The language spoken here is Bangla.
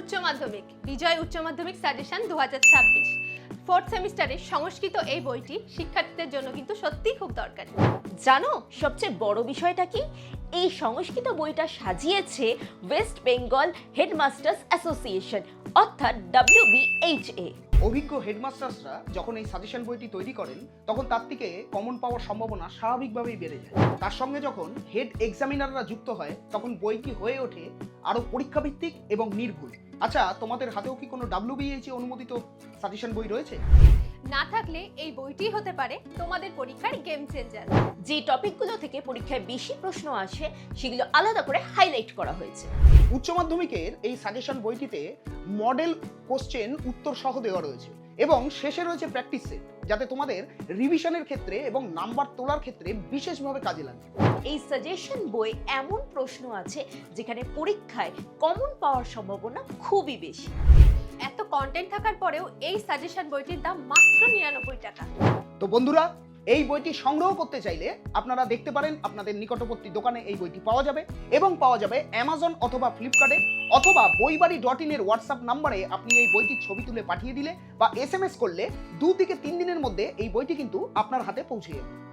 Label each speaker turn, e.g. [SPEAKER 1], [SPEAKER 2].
[SPEAKER 1] উচ্চ মাধ্যমিক বিজয় উচ্চ মাধ্যমিক সাজেশন 2026 ফোর্থ সেমিস্টারের সংস্কৃত এই বইটি শিক্ষার্থীদের জন্য কিন্তু সত্যিই খুব দরকারি।
[SPEAKER 2] জানো সবচেয়ে বড় বিষয়টা কি? এই সংস্কৃত বইটা সাজিয়েছে ওয়েস্ট বেঙ্গল হেডমাস্টার্স অ্যাসোসিয়েশন অর্থাৎ WBHA।
[SPEAKER 3] অভিজ্ঞ হেডমাস্টার্সরা যখন এই সাজেশন বইটি তৈরি করেন তখন তার থেকে কমন পাওয়ার সম্ভাবনা স্বাভাবিকভাবেই বেড়ে যায়। তার সঙ্গে যখন হেড এক্সামিনাররা যুক্ত হয় তখন বইটি হয়ে ওঠে আরও পরীক্ষাভিত্তিক এবং নির্ভুল। আচ্ছা, তোমাদের হাতেও কি কোনো WBHA অনুমোদিত সাজেশন বই রয়েছে?
[SPEAKER 1] না থাকলে এই বইটি হতে পারে তোমাদের পরীক্ষার গেম চেঞ্জার।
[SPEAKER 2] যে টপিকগুলো থেকে পরীক্ষায় বেশি প্রশ্ন আসে সেগুলো আলাদা করে হাইলাইট করা হয়েছে।
[SPEAKER 3] উচ্চ মাধ্যমিকের এই সাজেশন বইটিতে মডেল কোশ্চেন উত্তর সহ দেওয়া রয়েছে এবং শেষে রয়েছে প্র্যাকটিস সেট, যাতে তোমাদের রিভিশনের ক্ষেত্রে এবং নাম্বার তোলার ক্ষেত্রে বিশেষভাবে কাজে লাগে।
[SPEAKER 2] এই সাজেশন বই এমন প্রশ্ন আছে যেখানে পরীক্ষায় কমন পাওয়ার সম্ভাবনা খুবই বেশি।
[SPEAKER 1] এত কন্টেন্ট থাকার পরেও এই সাজেশন বইটির দাম মাত্র 99 টাকা।
[SPEAKER 3] তো বন্ধুরা, এই বইটি সংগ্রহ করতে চাইলে আপনারা দেখতে পারেন আপনাদের নিকটবর্তী দোকানে এই বইটি পাওয়া যাবে এবং পাওয়া যাবে অ্যামাজন অথবা ফ্লিপকার্টে, অথবা বইবাড়ি.in এর হোয়াটসঅ্যাপ নাম্বারে আপনি এই বইটির ছবি তুলে পাঠিয়ে দিলে বা SMS করলে 2 থেকে 3 দিনের মধ্যে এই বইটি কিন্তু আপনার হাতে পৌঁছে যাবে।